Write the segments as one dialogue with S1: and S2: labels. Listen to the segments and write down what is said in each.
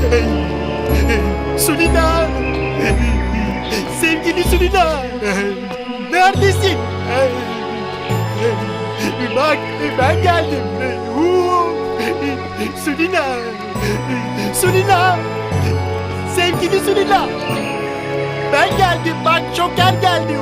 S1: Sulina! Sevgili Sulina! Neredesin? Bak ben geldim. Sulina! Sulina! Sevgili Sulina! Ben geldim bak Joker geldi.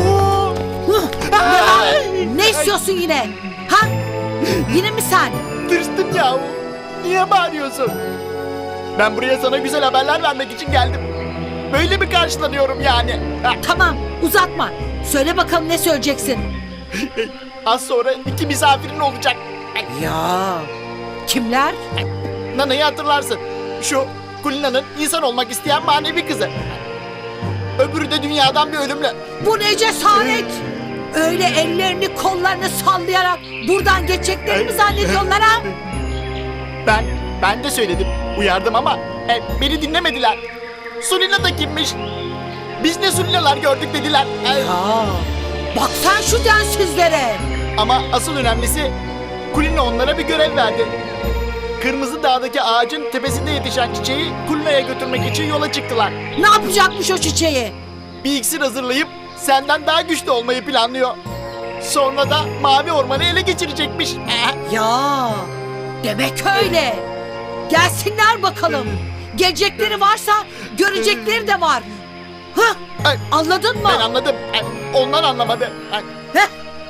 S2: Ne istiyorsun yine? Ha? Yine mi sen?
S1: Tırstım ya. Niye bağırıyorsun? Ben buraya sana güzel haberler vermek için geldim. Böyle mi karşılanıyorum yani?
S2: Tamam uzatma. Söyle bakalım ne söyleyeceksin?
S1: Az sonra 2 misafirin olacak.
S2: Ya kimler?
S1: Nana'yı hatırlarsın. Şu Kulina'nın insan olmak isteyen manevi kızı. Öbürü de dünyadan bir ölümlü.
S2: Bu ne cesaret? Öyle ellerini kollarını sallayarak buradan geçeceklerini mi zannediyorlar ha?
S1: Ben de söyledim. Uyardım ama beni dinlemediler. Sulina da kimmiş? Biz ne Sulinalar gördük dediler.
S2: Ya bak sen şu densizlere.
S1: Ama asıl önemlisi Kulina onlara bir görev verdi. Kırmızı Dağ'daki ağacın tepesinde yetişen çiçeği Kulina'ya götürmek için yola çıktılar.
S2: Ne yapacakmış o çiçeği?
S1: Bir iksir hazırlayıp senden daha güçlü olmayı planlıyor. Sonra da mavi ormanı ele geçirecekmiş.
S2: Ya demek öyle. Gelsinler bakalım. Gelecekleri varsa görecekleri de var. Hah, anladın mı?
S1: Ben anladım. Onlar anlamadı.
S2: Heh.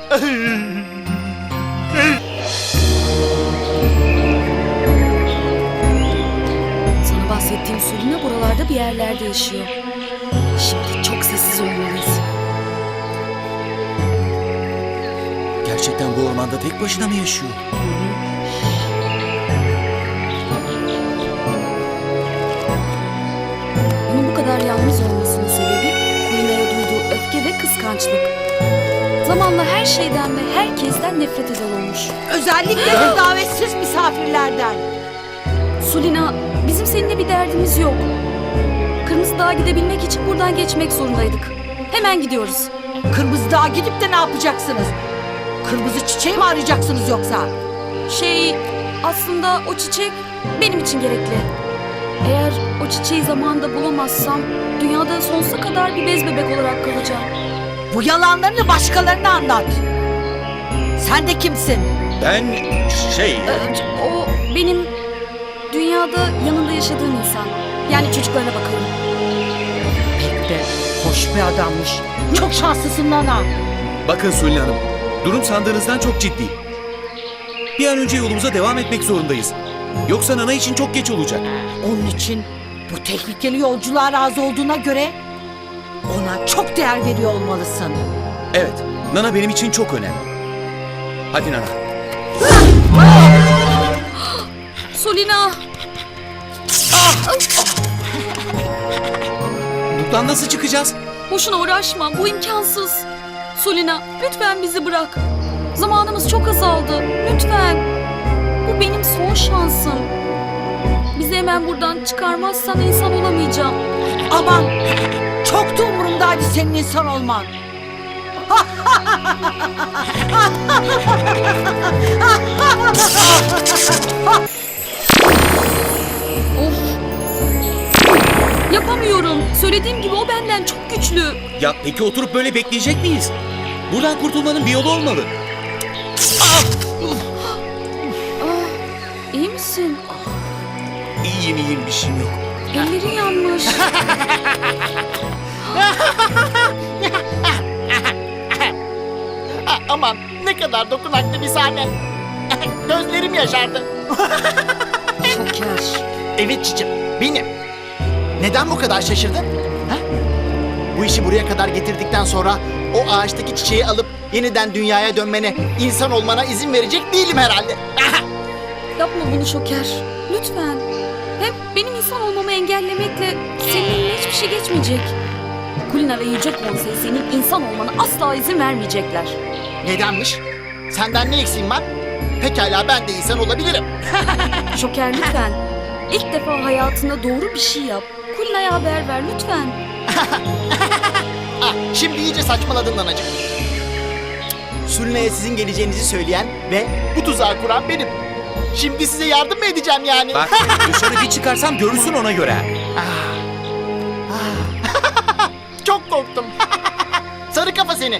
S3: Sana bahsettiğim Sulina buralarda bir yerlerde yaşıyor. Şimdi çok sessiz olmalıyız.
S4: Gerçekten bu ormanda tek başına mı yaşıyor?
S3: Onun bu kadar yalnız olmasının sebebi Kulina'ya duyduğu öfke ve kıskançlık. Zamanla her şeyden ve herkesten nefret eder olmuş.
S2: Özellikle de davetsiz misafirlerden.
S3: Sulina, bizim seninle bir derdimiz yok. Kırmızı Dağ'a gidebilmek için buradan geçmek zorundaydık. Hemen gidiyoruz.
S2: Kırmızı Dağ'a gidip de ne yapacaksınız? Kırmızı çiçeği mi arayacaksınız yoksa?
S3: Aslında o çiçek benim için gerekli. Eğer o çiçeği zamanında bulamazsam dünyada sonsuza kadar bir bez bebek olarak kalacağım.
S2: Bu yalanlarını başkalarına anlat. Sen de kimsin?
S4: Ben
S3: O benim dünyada yanında yaşadığım insan. Yani çocuklarına bakalım.
S2: Pek de hoş bir adammış. Çok şanslısın Nana.
S4: Bakın Sulin Hanım, durum sandığınızdan çok ciddi. Bir an önce yolumuza devam etmek zorundayız. Yoksa Nana için çok geç olacak.
S2: Onun için bu tehlikeli yolculuğa razı olduğuna göre ona çok değer veriyor olmalısın.
S4: Evet, Nana benim için çok önemli. Hadi Nana.
S3: Sulina!
S4: Buradan nasıl çıkacağız?
S3: Boşuna uğraşma, bu imkansız. Sulina, lütfen bizi bırak. Zamanımız çok azaldı, lütfen. Bu benim son şansım. Bizi hemen buradan çıkarmazsan insan olamayacağım.
S2: Aman çok da umurumdaydı senin insan olman.
S3: Of! Yapamıyorum. Söylediğim gibi o benden çok güçlü.
S4: Ya peki oturup böyle bekleyecek miyiz? Buradan kurtulmanın bir yolu olmalı.
S3: İyi misin?
S4: İyiyim bir şeyim yok.
S3: Ellerin yanmış.
S1: Aman ne kadar dokunaklı bir sahne. Gözlerim yaşardı.
S3: Şoker.
S1: Evet cicim, benim. Neden bu kadar şaşırdın? Ha? Bu işi buraya kadar getirdikten sonra o ağaçtaki çiçeği alıp yeniden dünyaya dönmene, insan olmana izin verecek değilim herhalde.
S3: Yapma bunu Şoker. Lütfen. Hem benim insan olmamı engellemekle seninle hiçbir şey geçmeyecek. Kulina ve Yüce Konsey senin insan olmana asla izin vermeyecekler.
S1: Nedenmiş? Senden ne eksiğim var? Pekala ben de insan olabilirim.
S3: Şoker lütfen. İlk defa hayatında doğru bir şey yap. Kulina'ya haber ver lütfen.
S1: Şimdi iyice saçmaladın Nanacığım. Sülne'ye sizin geleceğinizi söyleyen ve bu tuzağı kuran benim. Şimdi size yardım mı edeceğim yani?
S4: Bak dışarı bir çıkarsam görürsün ona göre.
S1: Çok korktum. Sarı kafa seni.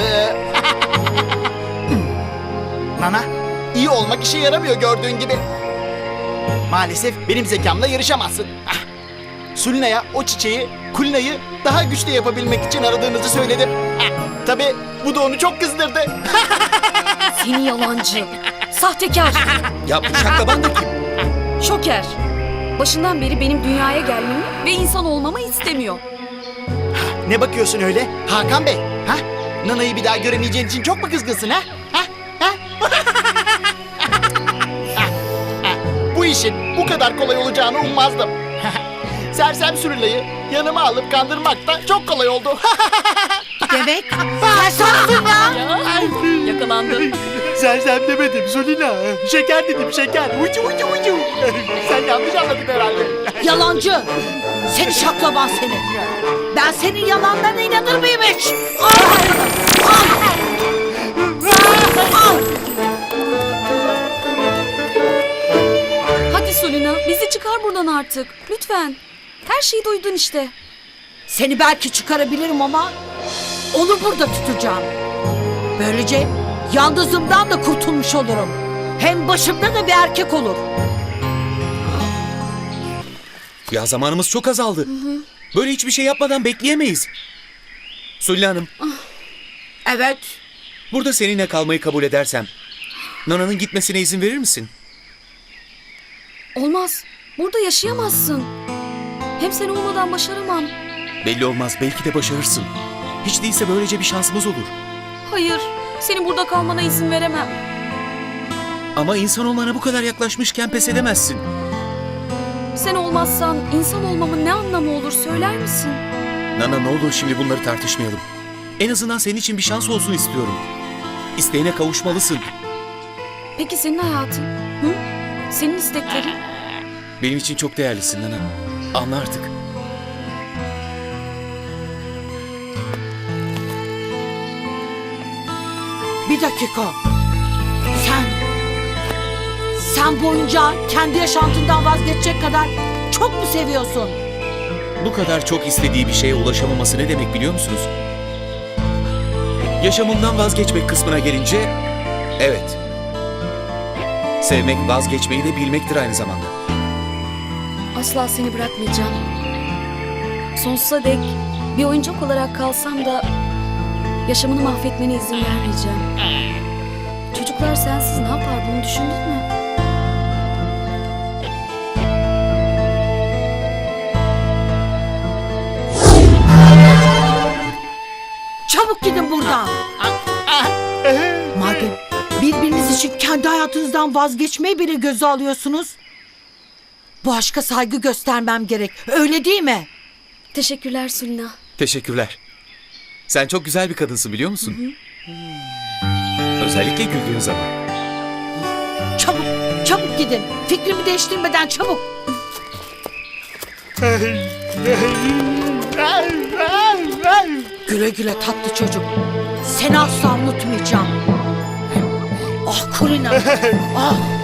S1: Nana, iyi olmak işe yaramıyor gördüğün gibi. Maalesef benim zekamla yarışamazsın. Sulina'ya o çiçeği, Kulina'yı daha güçlü yapabilmek için aradığınızı söyledim. Tabii bu da onu çok kızdırdı.
S3: Seni yalancı. Sahtekar.
S4: Ya bu şaklaban da kim?
S3: Şoker. Başından beri benim dünyaya gelmemi ve insan olmamı istemiyor.
S1: Ne bakıyorsun öyle Hakan Bey? Ha? Nana'yı bir daha göremeyeceğin için çok mu kızgınsın ha? Bu işin bu kadar kolay olacağını ummazdım. Sersem Sulina'yı yanıma alıp kandırmak da çok kolay oldu.
S2: Demek sensin ya.
S3: Yakalandı.
S1: Sersem demedim Sulina. Şeker dedim şeker. Ucu ucu ucu. Sen yanlış anladın herhalde.
S2: Yalancı. Seni şaklaban seni. Ben senin yalanlarına inanır mıyım hiç?
S3: Hadi Sulina, bizi çıkar buradan artık. Lütfen. Her şeyi duydun işte.
S2: Seni belki çıkarabilirim ama onu burada tutacağım. Böylece yalnızlığımdan da kurtulmuş olurum. Hem başımda da bir erkek olur.
S4: Ya zamanımız çok azaldı. Böyle hiçbir şey yapmadan bekleyemeyiz. Sulli Hanım,
S2: Evet.
S4: burada seninle kalmayı kabul edersem Nana'nın gitmesine izin verir misin?
S3: Olmaz. Burada yaşayamazsın. Hem sen olmadan başaramam.
S4: Belli olmaz, belki de başarırsın. Hiç değilse böylece bir şansımız olur.
S3: Hayır, senin burada kalmana izin veremem.
S4: Ama insan olmana bu kadar yaklaşmışken pes edemezsin.
S3: Sen olmazsan insan olmamın ne anlamı olur söyler misin?
S4: Nana ne olur şimdi bunları tartışmayalım. En azından senin için bir şans olsun istiyorum. İsteğine kavuşmalısın.
S3: Peki senin hayatın? Hı? Senin isteklerin?
S4: Benim için çok değerlisin Nana. Anla artık.
S2: Bir dakika. Sen boyunca kendi yaşantından vazgeçecek kadar çok mu seviyorsun?
S4: Bu kadar çok istediği bir şeye ulaşamaması ne demek biliyor musunuz? Yaşamından vazgeçmek kısmına gelince, evet. Sevmek vazgeçmeyi de bilmektir aynı zamanda.
S3: Asla seni bırakmayacağım. Sonsuza dek bir oyuncak olarak kalsam da yaşamını mahvetmene izin vermeyeceğim. Çocuklar sensiz ne yapar bunu düşündün mü?
S2: Çabuk gidin buradan. Madem birbiriniz için kendi hayatınızdan vazgeçmeyi bile göze alıyorsunuz, bu aşka saygı göstermem gerek. Öyle değil mi?
S3: Teşekkürler Sulina.
S4: Teşekkürler. Sen çok güzel bir kadınsın biliyor musun? Özellikle güldüğün zaman.
S2: Çabuk, çabuk gidin. Fikrimi değiştirmeden çabuk. Güle güle tatlı çocuk. Seni asla unutmayacağım. Ah Kulina. Ah.